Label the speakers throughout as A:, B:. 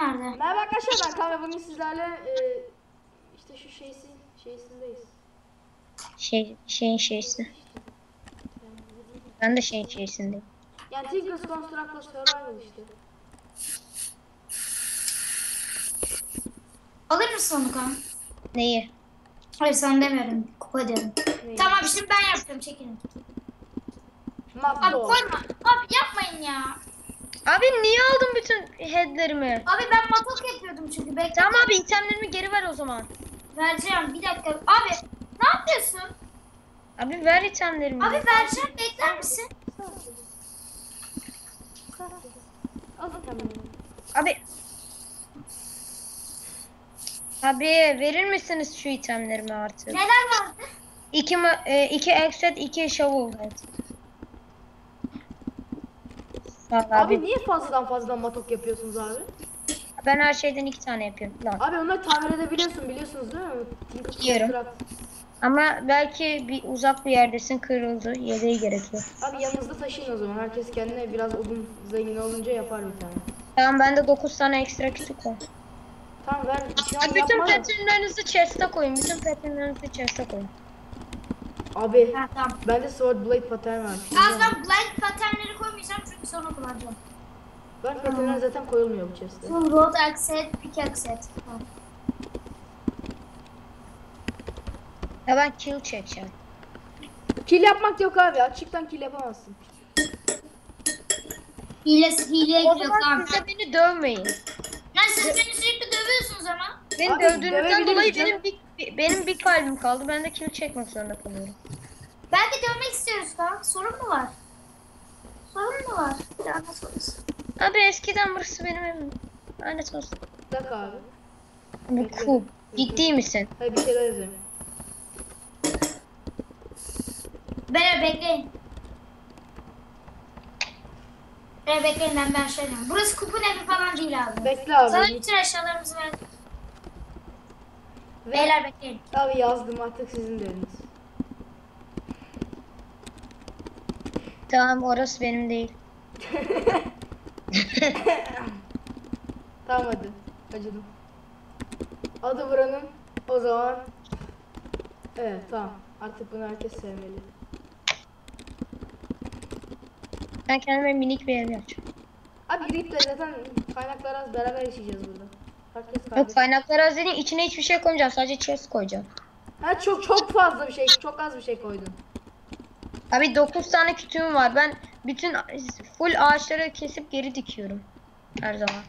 A: Nerede?
B: Merhaba arkadaşlar, ben Kaan ve bugün sizlerle işte şu şeysindeyiz.
A: Şeyin şeysi. Ben de şeyin şeysindeyim.
B: Yani Tinkers Construct'la Survival işte.
A: Alır mısın onu kan?
C: Neyi?
A: Hayır sen demiyorum. Kupa diyorum.
B: Neyi?
A: Tamam şimdi ben yapacağım çekilin. Abi
B: Mapdo.
A: koyma. Abi yapmayın ya.
C: Abi niye aldın bütün headlerimi?
A: Abi ben matok yapıyordum çünkü. Bekle.
C: Tamam abi itemlerimi geri ver o zaman.
A: Vereceğim bir dakika. Abi ne yapıyorsun?
C: Abi ver itemlerimi.
A: Abi vereceğim bekler misin?
B: Al tamam.
C: Abi. Abi verir misiniz şu itemlerimi artık?
A: Neler vardı?
C: İki exet, iki shovel head. Sağ ol
B: Abi
C: abi.
B: niye fazladan matok yapıyorsunuz abi?
C: Ben her şeyden 2 tane yapıyorum. Lan.
B: Abi onları tamir edebiliyorsun, biliyorsunuz değil mi? Tinkers
C: Biliyorum.
B: Construct.
C: Ama belki uzak bir yerdesin, kırıldı. Yedeği gerekiyor.
B: Abi yanınızda taşıyın o zaman. Herkes kendine biraz odun zengin olunca yapar bir tane.
C: Tamam bende 9 tane ekstra kütük var.
B: Tamam ver. Şu an
C: Bütün
B: yapma da.
C: patternlarınızı chest'e koyun. Bütün patternlarınızı chest'e koyun.
B: Abi
A: Ha tamam.
B: bende sword blade pattern var.
A: Az ben blind paternleri koymayacağım çünkü sonra kullanacağım.
B: Ben patternler zaten koyulmuyor bu chest'e.
A: Full road accent, pickaxe set. Tamam.
C: Ya ben kill çekeceğim.
B: Kill yapmak yok abi. Açıktan kill yapamazsın.
A: Hileye
C: O
A: giriyor
C: zaman
A: tamam.
C: siz de beni dövmeyin.
A: Lan siz beni sürekli dövüyorsunuz ama.
C: Beni
B: Abi,
C: dövdüğünüzden
B: dövebiliriz
C: dolayı
B: canım.
C: benim bir kalbim kaldı. Ben de kill çekmek zorunda kalıyorum.
A: Belki dövmek istiyoruz kan. Sorun mu var? Sorun mu var? Ya nasıl olursun?
C: Abi eskiden burası benim evim. Lanet olsun.
B: Bir dakika abi.
C: Bu cool. Ciddi misin?
B: Hayır bir şeyler yazıyorum.
A: Beni bekleyin. Beni bekleyin ben şey diyorum. Burası kupun evi falan değil abi.
B: Bekle abi.
A: Sana bütün eşyalarımızı ver.
B: Ve-
A: Beyler bekleyin.
B: Abi yazdım, artık sizin de eliniz.
C: Tamam orası benim değil.
B: Tamam hadi. Acıdım. Adı buranın. O zaman. Evet tamam. Artık bunu herkes sevmeli.
C: Ben kendime minik bir ev yapacağım.
B: Abi girip de zaten kaynaklar az, beraber yaşayacağız burada. Herkes
C: Yok
B: kardeş.
C: kaynakları az dediğin içine hiçbir şey koymayacağım. Sadece chest koyacağım.
B: Ha çok fazla bir şey, çok az bir şey koydun.
C: Abi 9 tane kütüğüm var. Ben bütün full ağaçları kesip geri dikiyorum. Her zaman.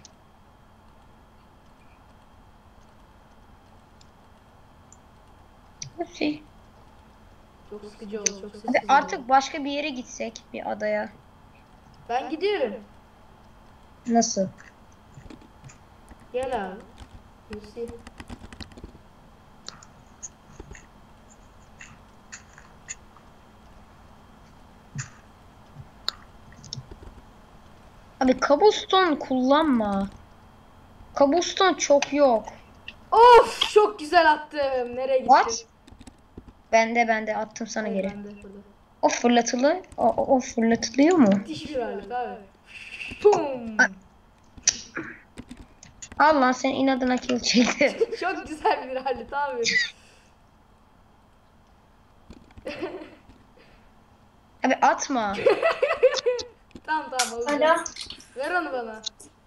C: Şey.
B: Çok sıkıcı oldu, çok
C: Abi
B: sessiz oldu.
C: artık başka bir yere gitsek bir adaya.
B: Ben gidiyorum.
C: Nasıl?
B: Gel abi. You see.
C: Abi cobblestone kullanma. Cobblestone çok yok.
B: Of çok güzel attım. Nereye gittin?
C: What? Bende attım sana
B: Hayır,
C: geri.
B: ben de burada.
C: O fırlatılı. O fırlatılıyor mu?
B: Müthiş bir alet abi. Pum.
C: Al lan sen inadına kill çekti.
B: Çok güzel bir alet abi.
C: Abi atma.
B: Tamam alacağım.
A: Alo.
B: Ver onu bana.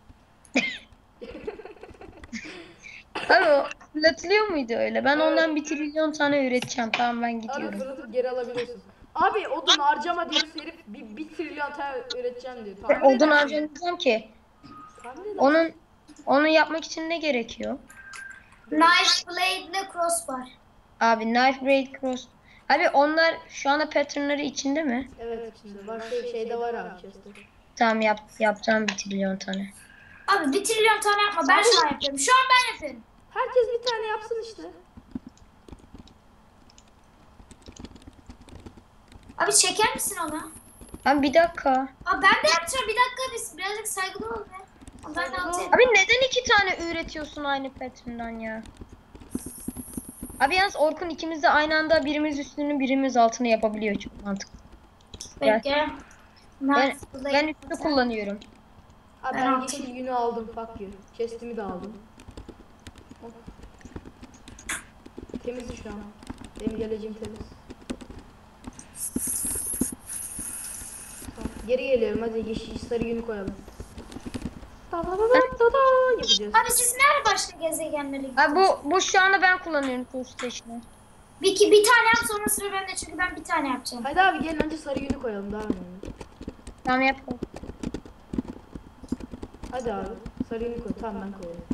C: Abi o fırlatılıyor muydu öyle? Ben ondan 1 trilyon tane üreteceğim. Tamam ben
B: Abi
C: gidiyorum.
B: fırlatıp geri alabiliyorsun. Abi odun harcama diyor herif, bir trilyon tane üreteceğim diyor.
C: Ben odun harcamayacağım ki.
B: Onun
C: Onu yapmak için ne gerekiyor?
A: Knife blade ile crossbar.
C: Abi knife braid cross. Abi onlar şu anda patternları içinde mi?
B: evet içinde var, şeyde var abi chest'te.
C: Tamam yapacağım 1 trilyon tane.
A: Abi 1 trilyon tane yapma ben şu an yapıyorum. Şu an ben yapıyorum.
B: Herkes bir tane yapsın işte.
A: Abi çeker misin ona?
C: Abi bir dakika.
A: Abi ben de yapacağım bir dakika birazcık saygılı ol be. Abi ben de atayım.
C: Abi neden 2 tane üretiyorsun aynı pattern'dan ya? Abi yalnız Orkun ikimiz de aynı anda birimiz üstünü birimiz altını yapabiliyor. Çok mantıklı.
A: Bekle.
C: Ben üstü kullanıyorum.
B: Abi
A: Ben
B: ben yeşil yünü aldım. Fuck you. Chest'imi de aldım. Hop. Temiz şu an. Benim geleceğim temiz. Tamam. Geri geliyorum. Hadi yeşil sarı yünü koyalım. Yapacağız.
A: Abi siz nerede başka gezegenlere gittiniz?
C: Abi bu şu anda ben kullanıyorum Tool Station'ı.
A: Bir tane yap sonra sıra bende çünkü ben bir tane yapacağım.
B: Hadi abi gelin önce sarı yünü koyalım daha önemli.
C: Tamam yapalım.
B: Hadi abi sarı yünü koy. Tamam ben koyayım.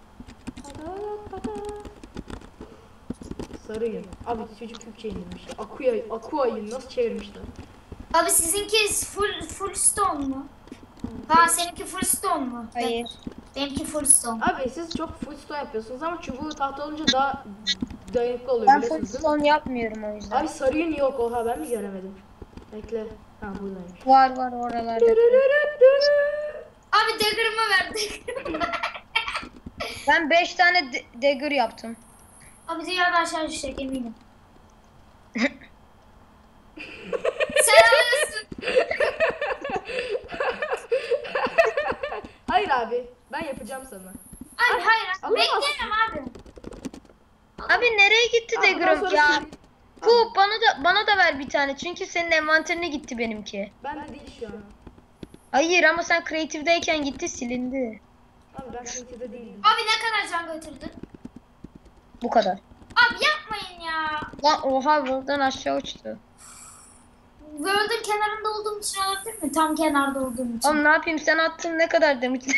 B: Sarı yün. Abi çocuk Türkçe indirmiş. Aqua yün nasıl çevirmişler?
A: Abi sizinki full stone mu? Ha seninki full stone mu?
C: Hayır.
A: Benimki full stone.
B: Abi siz çok full stone yapıyorsunuz ama çubuğu tahta olunca daha dayanıklı oluyor
C: Ben full
B: biliyorsunuz değil mi?
C: stone yapmıyorum o yüzden.
B: Abi sarı yün yok, oha ben mi göremedim? Bekle. Ha buradaymış.
C: Var oralarda.
A: Abi dagger'ımı ver dagger'ımı ver.
C: Ben 5 tane dagger yaptım.
A: Abi dünyada aşağı düşecek eminim. Sen alıyorsun.
B: Hayır abi ben yapacağım sana.
A: Abi hayır.
B: Alamazsın.
A: Bekleyemem abi.
C: Abi nereye gitti
B: Bundan
C: dagger'ım
B: sonra
C: ya?
B: sen-
C: Kup bana da ver bir tane çünkü senin envanterine gitti benimki.
B: Ben de değil şu an.
C: Hayır ama sen creative'deyken gitti silindi.
B: Abi ben Creative'de değildim.
A: Abi ne kadar can götürdün?
C: Bu kadar.
A: Abi yapmayın ya.
C: Lan oha buradan aşağı uçtu.
A: World'un kenarında olduğum için olabilir mi? Tam kenarda olduğum için.
C: Oğlum ne yapayım sen attın ne kadar demiştin.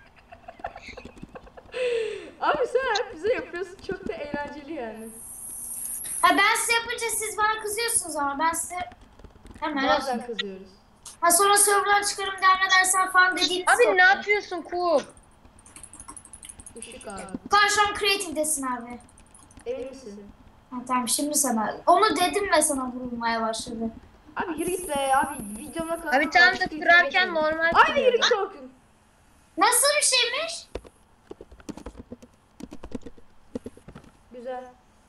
B: Abi sen hep bize yapıyorsun, çok da eğlenceli yani.
A: Ha ben size yapınca siz bana kızıyorsunuz ama ben size hemen
B: Bazen kızıyoruz.
A: Ha sonra server'dan çıkarım devam edersen falan dediğiniz
C: Abi ne yapıyorsun Kup?
B: Işık abi.
A: Karşı an creative'desin abi.
B: Emin misin?
A: Ha tamam şimdi sana. Onu dedim ve sana vurulmaya başladı.
B: Abi yürü git be abi, videoma kadar.
C: Abi tam da kırarken normal
B: Aynı yürü
C: kırıyordum.
B: git Orkun.
A: Nasıl bir şeymiş?
B: Güzel.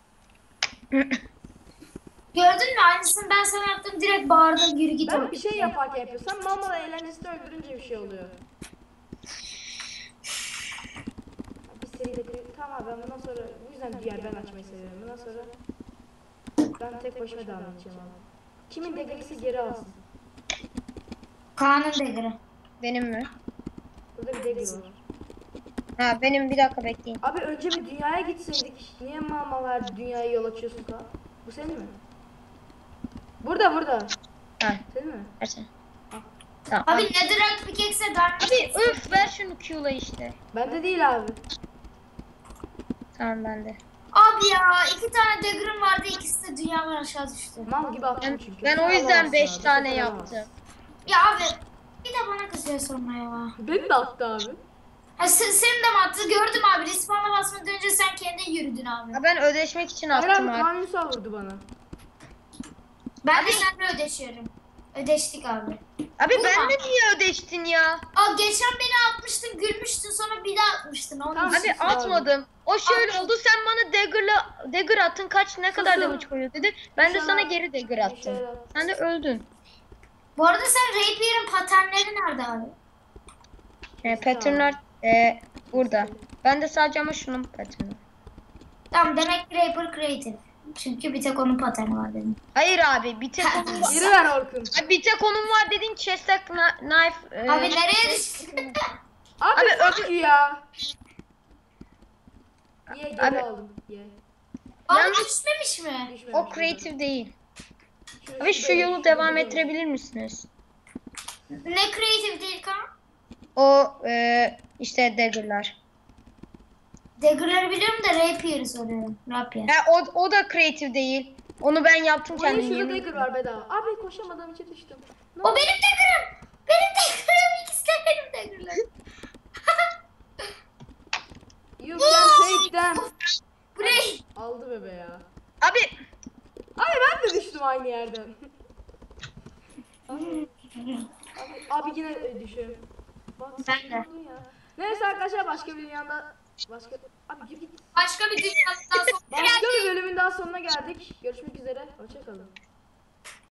A: Gördün mü? Aynısını ben sana yaptım direkt bağırdım yürü git.
B: Ben
A: Orkun.
B: bir şey yaparken yapıyorsam normal eğlencesini öldürünce bir şey oluyor. Bir seride tamam ben bundan sonra bu yüzden diğer ben açmayı seviyorum. Bundan sonra ben tek başıma devam edeceğim abi. Kimin degresi geri alsın.
A: Kaan'ın degri.
C: Benim mi?
B: Burada bir degri var.
C: Ha benim bir dakika bekleyin.
B: Abi önce bir dünyaya gitseydik. Niye mamalar dünyaya yol açıyorsun ka? Bu senin mi? Burada.
C: Ha
B: Senin mi?
C: versen. Tamam.
A: Abi
C: Abi,
A: netherite pickaxe'e darbe.
C: abi öf ver şunu Q'la işte.
B: Bende değil abi.
C: Tamam bende.
A: Abi ya 2 tane dagger'ım vardı ikisi de dünyadan aşağı düştü.
B: Mal gibi attım çünkü.
C: Ben o
B: Sen
C: yüzden
B: alamazsın
C: 5
B: abi,
C: tane
B: sen
C: yaptım.
B: alamazsın.
A: Ya abi bir de bana kızıyor sonra ya.
B: Beni de attı abi.
A: Ha, senin de mi attı? Gördüm abi. Respawn'a basmadan önce sen kendin yürüdün abi.
C: Ha, ben ödeşmek için
B: Hayır
C: attım
B: abi
C: abi.
B: Kaan Ünsal vurdu bana.
A: Ben de seninle ödeşiyorum. Ödeştik abi.
C: Abi
A: Vurma.
C: benle niye ödeştin ya?
A: Aa geçen beni atmıştın, gülmüştün, sonra bir daha atmıştın. Onun
B: Tamam.
A: için.
C: Abi atmadım. O şöyle
A: Abi.
C: oldu sen bana dagger attın kaç ne kadar
B: Susun.
C: damage koyuyor dedi. Ben de
B: İnşallah-
C: sana geri dagger attım.
B: İnşallah.
C: Sen de öldün.
A: Bu arada sen Rapier'in paternleri nerede abi?
C: Patternlar burada. Ben de sadece ama şunun patternı.
A: Tamam demek ki Rapier Creative. Çünkü bir tek onun paterni var dedim.
C: Hayır abi bir tek onun var.
B: Geri ver Orkun.
C: Abi, bir tek onun var dedin chest'e knife.
A: Abi nereye düştün?
B: Abi,
C: Abi,
B: fuck you ya. Ye geri
C: Abi-
B: aldım. Ye.
A: Abi
C: Yalnız-
A: düşmemiş mi?
B: Düşmemiş
C: O
B: burada.
C: creative değil.
B: Şurası
C: Abi şu
B: böyle,
C: yolu
B: şurada
C: devam
B: böyle.
C: ettirebilir misiniz?
A: Ne Creative değil kan?
C: O işte dagger'lar.
A: Dagger'ları biliyorum da Rapier'i soruyorum. Rapier.
C: O da creative değil. Onu ben yaptım
B: Buraya
C: kendim.
B: şurada
C: yemin
B: dagger
C: ederim.
B: var bedava. Abi koşamadığım için düştüm. Ne
A: O
B: oldu?
A: benim Dagger'ım. Benim Dagger'ım. İkisi de benim Dagger'larım.
B: You can take them.
A: Bu ne?
B: Aldı bebe ya.
C: Abi
B: Abi ben de düştüm aynı yerden. abi yine düşüyorum. Bak,
A: Ben de.
B: saçmaladın ya. Neyse arkadaşlar başka bir dünyada abi gir git.
A: Başka bir dünyadan sonra
B: Başka bir bölümün daha sonuna geldik. Görüşmek üzere. Hoşça kalın.